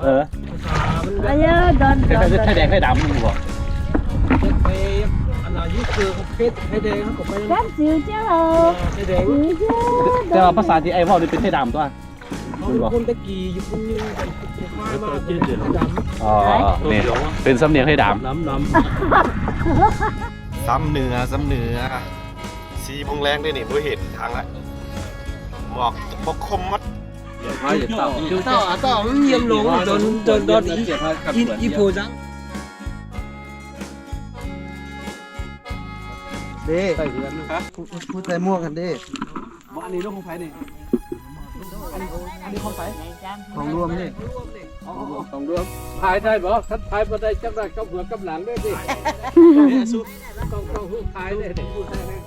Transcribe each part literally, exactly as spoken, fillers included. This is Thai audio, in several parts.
อออันนี้โดนโดนไข่แดงไข่ดำมึงบอกไปอันนั้นยิ่งคือเพชรเพชรแดงเขาก็ไปกันจืดเจ้าเพชรแดงแต่ว่าภาษาที่ไอ้พ่อนี่เป็นไข่ดำตัวเขาคนตะกี้อยู่คนนึงมามาเป็นดำอ๋อนี่เป็นสำเนียงไข่ดำน้ำน้ำซ้ำเนื้อซ้ำเนื้อสีมงแรงด้วยนี่บ่เห็นทางละหมอกบกคมมัดต่อต่อต่อมันเยี่ยมลงจนจนโดนอีอีโพจังเด้ใส่เดือนนะครับพูดใส่ม่วงกันเด้อันนี้ลูกของไผ่นี่อันนี้อันนี้ของไผ่ของรวมนี่ของรวมพายได้บ่ถ้าพายบ่ได้จับได้กับหัวกับหลังได้ดิต้องต้องหูพายเลยหูพายเลย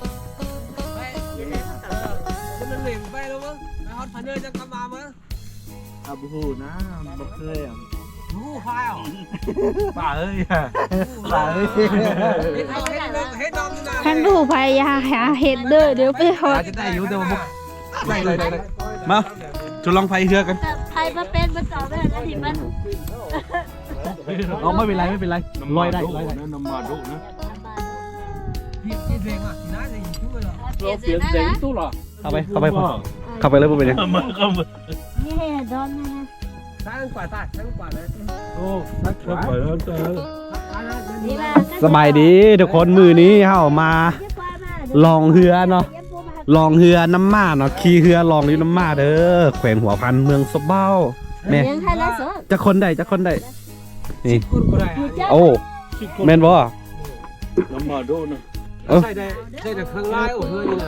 มันเหล่งไปแล้วมั้งไปฮอตพันเนอร์จะกลับมามั้งอาบูฮูนะบ่เคยอ่ะหูพายอ่ะป่าเอ้ยป่าเอ้ยเฮ็ดเฮ็ดเฮ็ดดอมนี่นะท่านผู้พยาหาเห็ดเด้อเดี๋ยวไปหดจะได้อยู่แต่ว่าบ่ได้เลยได้เลยมาจะลองไฟเฮือกันไทยมาเป็นมาต่อได้แล้วที่มันเอาไม่เป็นไรไม่เป็นไรลอยได้ลอยได้น้ำมาดุนะพี่พี่เพลงอ่ะน่าจะอยู่ช่วยหรอเปลี่ยนเสียงนะตู้หรอเข้าไปเข้าไปเข้าไปเลยพวกเป็นยังนี่โดนนะซ้ายกว่าซ้ายซ้ายกว่าเลยโอ้นักขวานี่ล่ะสบายดีทุกคนมือนี้เฮามาลองเรือเนาะลองเรือน้ำมาเนาะขี่เรือลองอยู่น้ำมาเด้อแขวงหัวพันเมืองสบเบ้าแม่ยังไทยละสดจะคนได้จะคนได้นี่คนก็ได้โอ้แม่นบ่น้ำมาดุนะใช่ได้ใช่แต่ข้างล่างโอ้เฮ้ยนี่นะ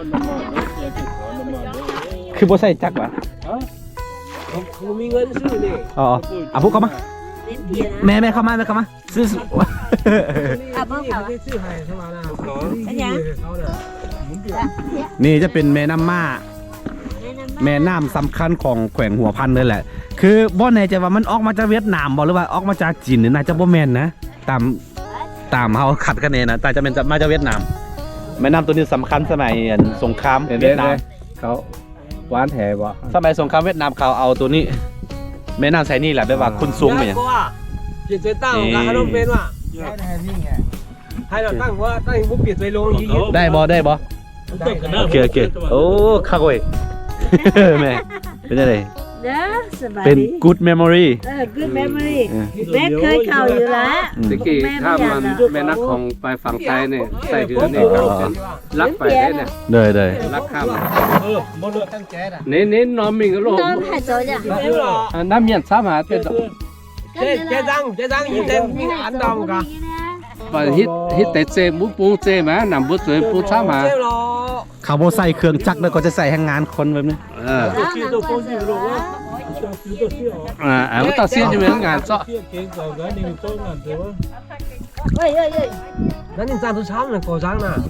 คือบ่ใส่จักวะเขามีเงินซื้อนี่อ๋ออ่ะพวกเข้ามาเปลี่ยนแม่แม่เข้ามาแม่เข้ามาซื้ออ่ะบ่เขาไม่ซื้อให้เข้ามานะเขาอันยังเขาเนี่ยนี่จะเป็นแม่น้ำมาแม่น้ำสำคัญของแขวงหัวพันเลยแหละ คือบ่แน่ใจว่ามันออกมาจากเวียดนามบ่หรือว่าออกมาจากจีนนี่น่าจะบ่แม่นนะตามตามเฮาขัดกันเองนะแต่จะเป็นมาจากเวียดนาม แม่น้ำตัวนี้สำคัญสมัยสงครามเวียดนามเขาหวานแท้บ่สมัยสงครามเวียดนามเขาเอาตัวนี้ แม่น้ำใส่นี่แหละแบบว่าคุณสูงไปอย่างเปลี่ยนใจตั้งการขนมเป็นว่ะให้เราตั้งว่าตั้งมุกเปลี่ยนใจลงยี่ได้บ่ได้บ่โอเคโอเคโอ้คักเว้ย แม่เป็นยังไงเด้อสบายเป็นดี good memory เออ good memory แม่เคยเข้าอยู่แล้วตะกี้ถ้ามันแม่นักของไปฝั่งไทยเนี่ยใส่เรือเนี่ยเขาเป็นลักไปได้เนี่ยเดยเดยลักข้ามเออมดเลยตั้งแก๊สอ่ะเน้นเน้นน้อมมิงก็โลกนอนหายใจจ้ะไม่หรอน้ำเมียนสามหาเป็นเจ๊เจ๊ดังเจ๊ดังยิ้มเต็มมีอันดำกันไปฮิตฮิตแต่เจมุปูเจมานำบุษวยปูสามหาเจ๊หรอเขาโบใส่เครื่องจักรแล้วก็จะใส่ให้งานคนแบบนี้เออชื่อตัวคนชื่อหรอชื่อตัวชื่อหรออ่าอ่ามันต่อเสียนอยู่เหมือนกันเจาะเก่งกว่ากันนี่ต้นนั่นเดี๋ยวเฮ้ยเฮ้ยเฮ้ยนั่นยังจานทุกเช้าเลยก่อจังน่ะ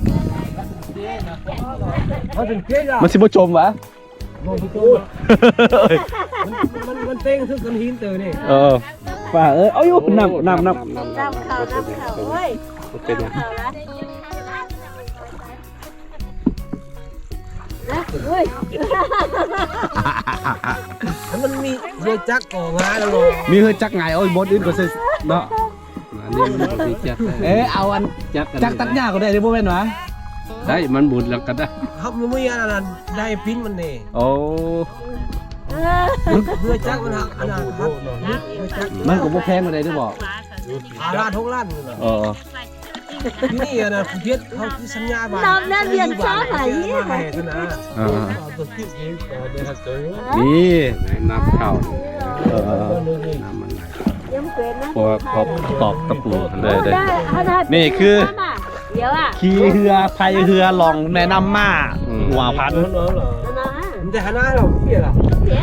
เขาเป็นเกล้ามันสิบ่จมวะมันมันมันเต้งทุกคนหินเตอนี่เออป่าเอ้ยเอาอยู่น้ำน้ำน้ำน้ำข่าวน้ำข่าวเฮ้ยเป็นยังข่าวนะเฮ้ยมันมีเรือจักรก่องานแล้วมีเฮือจักรไงโอ้ยบดอื่นก็ใส่เนาะอันนี้มันดีจัดเอ๊ะเอาอันจัดจักรตัดหญ้าก็ได้เด้บ่แม่นวะได้มันบุญแล้วก็ได้ครับมันไม่อันนั้นได้ปิ้นมันนี่โอ้เออเรือจักรมันหักอันนั้นครับเรือจักรมันก็บ่แพงก็ได้เด้อบ่อาลาดทุกล้านเลยเออที่นี่นะคุณเพียรเขาที่สัญญาบ้านน้ำน้ำเรียนช้าหายนี่เนี่ยมาให้นะเออตัวที่เองต่อเดือนเจอนี่น้ำเข้าเออน้ำมันไหลยังเป็นนะพอพอตอกตะปูได้ได้ได้ได้นี่คือเดี๋ยวอ่ะขี่เรือพายเรือลองแม่น้ำมาหัวพันมันเหรอนะมันจะหาหน้าเราเปลี่ยนอ่ะเดี๋ยว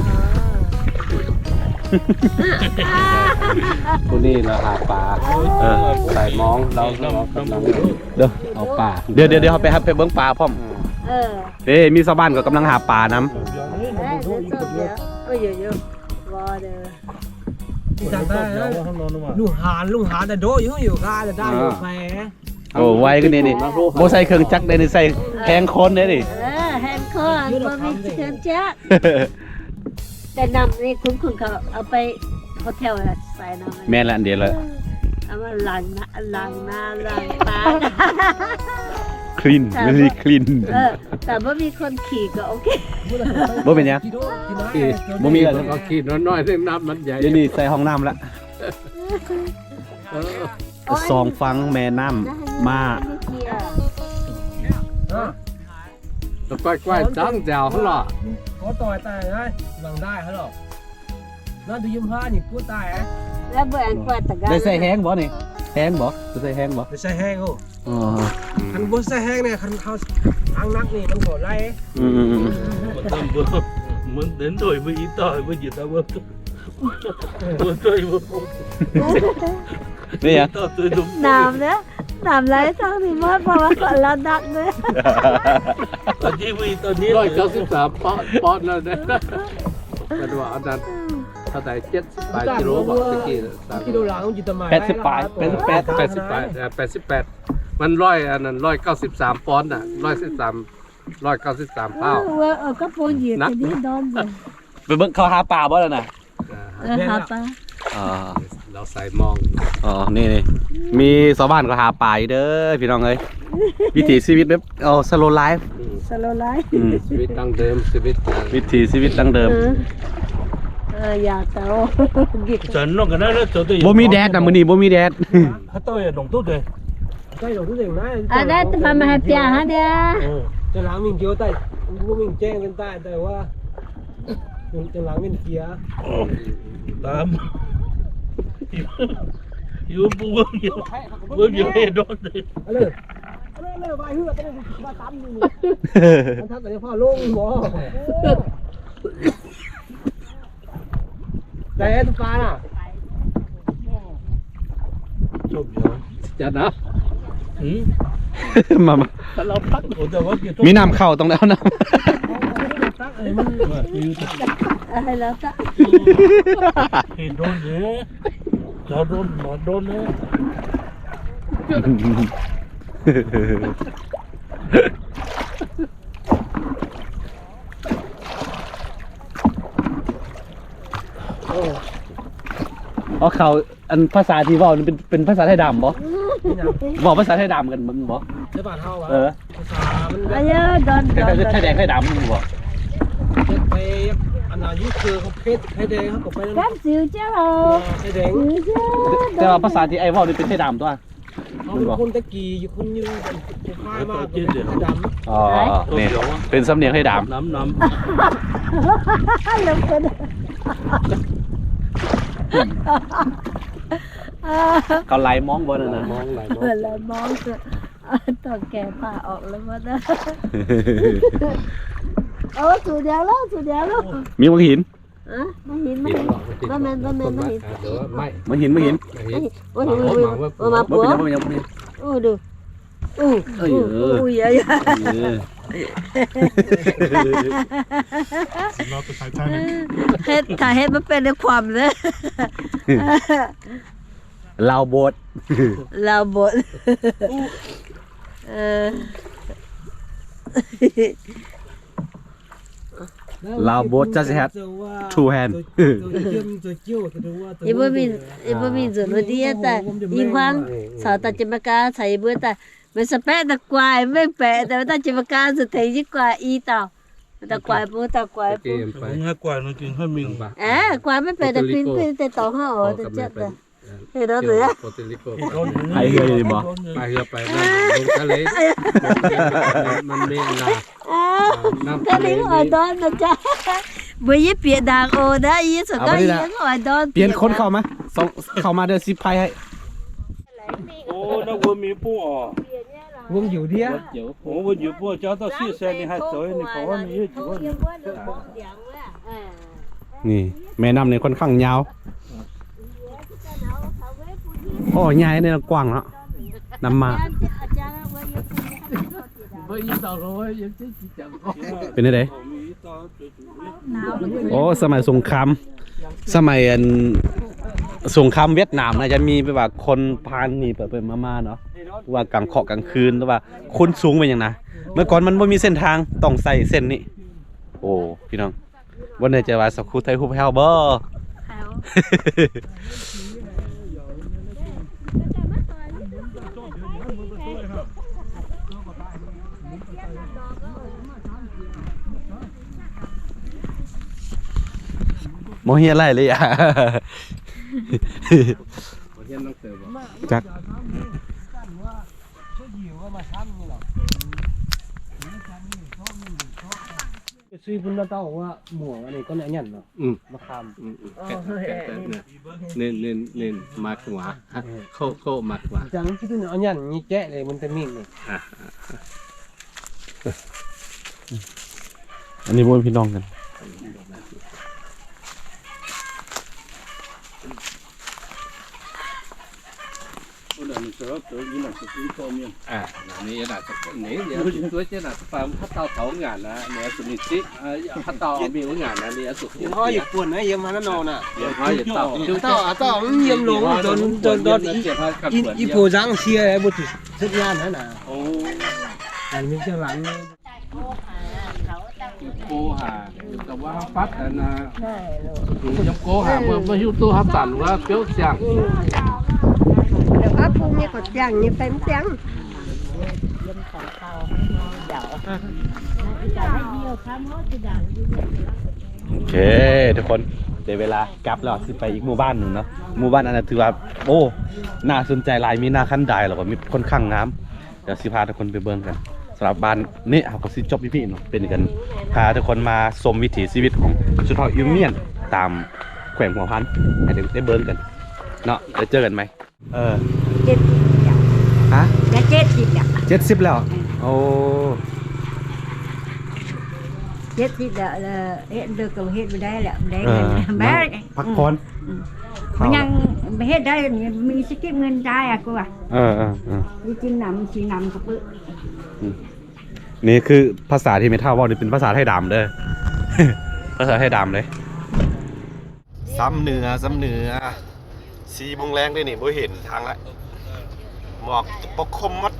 ผู้นี่เราหาปลาเออใส่มองเราเรากำลังเดี๋ยวเอาปลาเดี๋ยวเดี๋ยวเดี๋ยวไปครับไปเบิ้งปลาพร้อมเออเอ้มีชาวบ้านก็กำลังหาปลาน้เดี๋ยวเดี๋ยวเอ้ยเดี๋ยวเดี๋ยวรอเด้อจำได้ลุงหานลุงหานแต่โดอยู่อยู่ก้าจะได้อยู่แฝำโอ้ไวก็นี่นี่โบใส่เครื่องจักรได้นี่ใส่แทงคนได้ดิเออแฮนด์คอนบ่มีเชิญแจ๊กแต่นำนี่คุณคุณเขาเอาไปเขาเที่ยวอะไรใส่น้ำแม่นละอันเดียวเลยเอามาล้างหน้าล้างหน้าล้างตาคลีนไม่ใช่คลีนเออแต่ว่ามีคนขี่ก็โอเคบ่เป็นหยังขี่บ่มีอะไรก็ขี่น้อยๆเรื่องน้ำมันใหญ่เดี๋ยวนี้ใส่ห้องน้ำละเออสองฟังแม่น้ำมาแล้วก้อยๆตั้งแจวเขาหรอ có tỏi tài đấy bằng đai hả rồi nó đi yếm hoa nhỉ cua tài ấy แล้วเบื่ออันกว่าตะกได้ใส่แห้งบ่นี่แห้งบ่ได้ใส่แห้งบ่ để xe hang không อ๋อ thằng bố xe hang này thằng thao ăn nắc này nó khổ lay ấy อืมอืมอืม Một tầm vừa muốn đến rồi mới ý tỏi mới gì tao vừa vừa chơi vừa không นี่ยัง tao tôi đúng น้ำเนี่ยน้ำไหลทางนี้หมดเพราะว่าก่อนเราดักเลย tao chỉ vì tao biết ร้อยเก้าสิบสามปอนด์ปอนด์แล้วเนี่ยเป็นว่าอันนั้นเท่าไหร่เจ็ดสิบแปดกิโลบอกตะกี้สาม cái đồ làng không chỉ tầm mày แปดสิบปลายแปดสิบแปดแปดสิบแปดแปดสิบแปดมันร้อยอันนั้นร้อยเก้าสิบสามปอนด์อ่ะร้อยสิบสามร้อยเก้าสิบสามเป้าเออเออก็ปูนเหยียดแต่นี่โดนเลยไปเบิ่งเขาหาปลาบ่แล้วน่ะเออหาปลาอ๋อเราใส่มองอ๋อนี่นี่มีชาวบ้านก็หาปลาอยู่เด้อพี่น้องเอ้ยวิถีชีวิตแบบเอาสโลไลฟ์สโลไลท์ชีวิตดั้งเดิมชีวิตวิถีชีวิตดั้งเดิมเออเอออย่าเตากิน Trần nó cái đó nó cho tôi บ่มีแดดนะมื้อนี้บ่มีแดด hết tôi là đồng tốt rồi đây đồ thứ gì này อันนั้นทำมาให้เปียฮะเด้อ cho làng mình kêu tay bố mình che lên tay tay qua cho làng bên kia tám yêu bố nhiều bố nhiều hết đó đấy alo alo alo vài hứa cái này ba tám như này anh thắt cái pha luôn bỏ đây em pha nè chụp rồi จะนะ ừ มามาถ้าเราตักโอ้แต่ว่าเกี่ยวมีน้ำเข้าต้องได้เอาน้ tắt này mình อะไรแล้วจ้ะ thì đôn thế cho đôn mà đôn thế ำอ๋อเขาอันภาษาที่เว้านี่เป็นเป็นภาษาไทยดำบ่บอกภาษาไทยดำกันมึงบ่ cái bản hao เอ à อ mình อายุโดนคโดล้ายนๆไทยแดงไทยดำมึงบ่ cái anh nào dưới chưa không phết thấy đen không có phải แก้มสิวเจ้าเรา thấy đen สิวเจ้าแต่ว่าภาษาที่ไอ้เว้านี่เป็นไทยดำตัว không con cái kỳ chứ không như cái khai mà cái đầm อ๋อนี่เป็นสำเนียงไทยดำ nắm nắm ลงกันเขาไล่มองบ่นั่นน่ะมองไหลมองเออแล้วมองตัวแก่ผ่าออกแล้วมันนะโอ้สูดเดียวแล้วสูดเดียวแล้วมีมังหินอ่ะไม่เห็นไม่ติดเห็นหรอกติดบ่แม่นบ่แม่นบ่เห็นเดี๋ยวไม่มังหินมังหินไม่เห็นโอ้ยโอ้ยโอ้ยโอ้ยมาบ่ปัวเป็นหยังบ่เป็นหยังบ่เป็นหยังโอ้ดูอู้เอ้ยอู้เอออู้เยอะเออเฮ็ดถ้าเฮ็ดมันเป็นในความเลยลาวโบดเราบดเออลาวโบด just have two hand อีบ่มีอีบ่มีส่วนว่าดีแต่อีควางสาวตาจิมกาใส่เบื่อแต่มันสเปะตะกวายไม่แปะแต่ว่าตาจิมกาสุดท้ายยิ่งกว่าอีเต่าตะกวายปูตะกวายเกปูมไป cũng hai quả nó kinh hơn mình เอ๊ะกวายไม่แปะแต่ปิ้นปิ้นแต่ต่อห้าอ๋อแต่เจ็บแต่เฮ้ยเราเหลือโปรตุลิโกไอ้เฮ้ยบ่ไปเรือไปนั่นลงทะเลมันมีน้อ้าวำน้ำถ้าทะเลลิงอ่อยดอนนะจ๊ะบ่ยิ่เปียดางโอนะอีสุดก็อีอ่อยดอนเปลี่ยนคนเข้ามาสองเข้ามาเด้อสิบไพ่ให้ ô nó vừa mi bùa Vương Diệu đi á ô vừa nhiều bùa cho tao xí xe đi hai tối đi có mi chỉ có นี่แม่น้ำนี่ค่อนข้างยาวโอ้ยายเนี่ยกว้างเนาะน้ำมาไม่ยิ่งต่อเลยยังจะจังเป็นไงโอ้สมัยสงครามสมัยอันสงครามเวียดนามนะจะมีแบบว่าคนพานหนีไปไปมาๆเนาะว่ากลางเคาะกลางคืนหรือว่าคนสูงเป็นอย่างนะเมื่อก่อนมันไม่มีเส้นทางต้องใส่เส้นนี้โอ้พี่น้องวันนี้จะว่าสักครู่ไทยฮู้แฮวเบอร์โมเฮียไรเลยอ่ะเฮียนต้องเติมจักซื้อพุ่นละเต้าว่าหมวกอันนี้ก็เนี่ยยันเนาะอืมมะขามอืมอืมแกะแกะแกะเนี่ยเน้นเน้นเน้นมากกว่าโคโคมากกว่าจังที่ตัวเอายันนี่แกะเลยมันจะมิ่งนี่อ่ะอันนี้บ่เป็นพี่น้องกันอ่ะนี่น่าจะนี่เดี๋ยวตัวเจ้าน่ะฟาร์มพัดเตาเผางานนะเนี่ยสุนิสิเอ่อพัดเตาเอามีงานนะเนี่ยสุดเฮาอย่าป่วนนะเยี่ยมมาแล้วนอนน่ะเดี๋ยวเขาจะเตาเต้าเต้ามันเยี่ยมลงจนจนจนอีอีโปจังเสียบ่ถึงสักงานนั่นน่ะโอ้อันนี้เจ้าหลังโกหาแต่ว่าปัดแต่นะยังโกหาเมื่อเมื่อหิ้วตู้ฮับตันว่าเปี้ยวเสียงเดี๋ยวก็พรุ่งนี้ก็จ้างนี่เป็นจ้างโอเคทุกคนเดี๋ยวเวลากลับแล้วสิไปอีกหมู่บ้านหนึ่งเนาะหมู่บ้านอันนั้นถือว่าโอ้น่าสนใจหลายมีนาคันไดแล้วก็มีค่อนข้างงามเดี๋ยวสิพาทุกคนไปเบิ่งกันสำหรับบ้านนี่เขาก็สิจบพี่ๆเนาะเป็นกันพาทุกคนมาชมวิถีชีวิตของชนเผ่าอิวเมียนตามแขวงหัวพันให้ได้ได้เบิ่งกันเนาะเดี๋ยวเจอกันไหมเออเจ็ดสิบจ้ะฮะจะเจ็ดสิบจ้ะเจ็ดสิบแล้วโอ้เจ็ดสิบแล้วเออเฮ็ดเด็กก็เฮ็ดไม่ได้แหละได้เอเงินอแม่พักผ่อนมันยังเฮ็ดได้มีสกิปเงินได้อะกูว่าเออเออเออมีกินน้ำสีน้ำก็ปึ๊บนี่คือภาษาที่ไม่เท่าว่านี่เป็นภาษาไทยดำเด้อ ภาษาไทยดำเลยซ้ำเหนือซ้ำเหนือสีโมงแรงด้วยนี่บ่เห็นทางละหมอกปกคลุมหมัด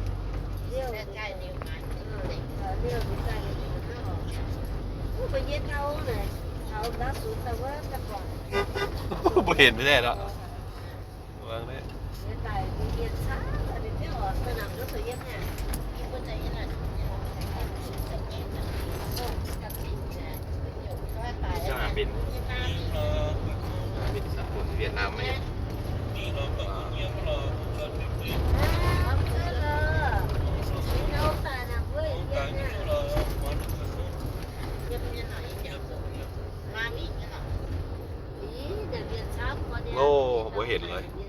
บ่เห็นไม่ได้แล้ววางได้จะหาบินบินสักคนเวียดนามไหมโอ้บ่เห็นเลย